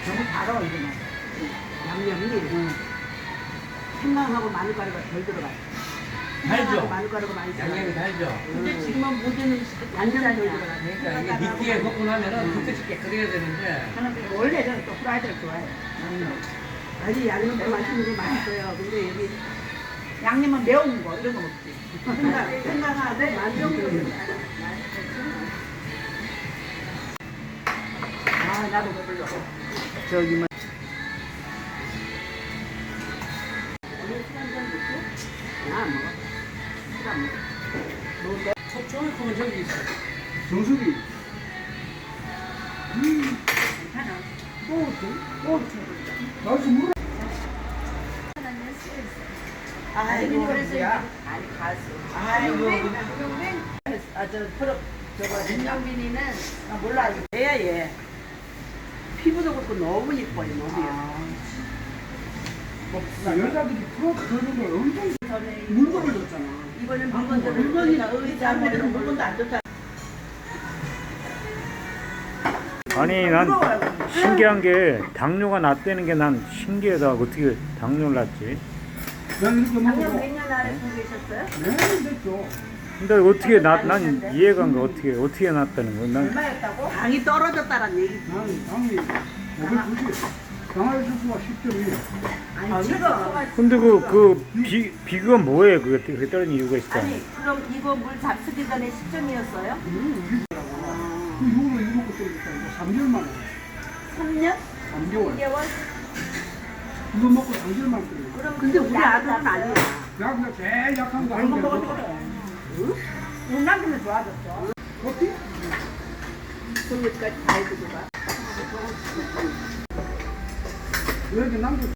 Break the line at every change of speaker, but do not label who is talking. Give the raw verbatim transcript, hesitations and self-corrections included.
너무 달아 이거는. 양념이 응. 생강하고 마늘가루가 덜 들어가.
달죠?
마늘가루가 많이 들어가.
양념이 달죠?
근데 지금은 모든 음식이
양념이 덜
양념이야.
들어가.
그러니까 이게 미끼에 먹고 나면은 그때씩 깨끗해야 되는데
저는 원래 저는 또 프라이드를 좋아해요. 아니 양념도 맛있는 거 맛있어요. 근데 여기 양념은 매운 거 이런 거 먹지. 생강, 생강하고 마늘. 아 나도 먹으려고. 저기 뭐. 안 먹어. 술안 먹어. 먹을 거야?
초초이콩은 저기 있어.
정수리.
괜찮아. 꼬우지? 꼬우지.
나도 물어.
아이고,
그래서
뭐야?
아니 가수.
아이고.
아 저 프로 저거 김영빈이는
아, 몰라. 얘야, 얘. 피부도 그렇고 너무 이뻐요, 너무 예뻐.
그 여자들이 프로트 들는 걸 엄청
전에
물건을 줬잖아.
이번엔 물건들을
물건이나
우리가
의자, 뭐 이런 물건도 안 좋다.
아니 난 신기한 게 당뇨가 났다는 게 난 신기하다. 어떻게 당뇨를 났지?
난 이렇게
작년
먹고.
몇년 아래 보고 계셨어요?
네, 됐죠.
근데 어떻게 났, 난 이해가 안 가. 어떻게 어떻게 났다는 거야? 난
얼마였다고?
당이 떨어졌다란 얘기.
난 당이 오백구십. 당할 수가 십 점이.
아니 지금
근데 그 그 비 비가 뭐예요? 그게 그렇게 떨어진 이유가 있을까?
아니 그럼 이거 물 잡수기 전에 십 점이었어요?
그 이후로 이거 먹고 또 있다. 삼 개월 만에.
삼 년?
삼 개월.
삼 개월?
이거 먹고 삼 개월 만에 끓여.
그럼
근데 우리 아들은 아니야.
야, 그냥 제일 약한 거
이거
한 개.
먹어도
먹어.
그래.
응? 남편은 좋아졌죠?
커피?
손끝까지 다 해주고 가.
왜 이렇게 남겨?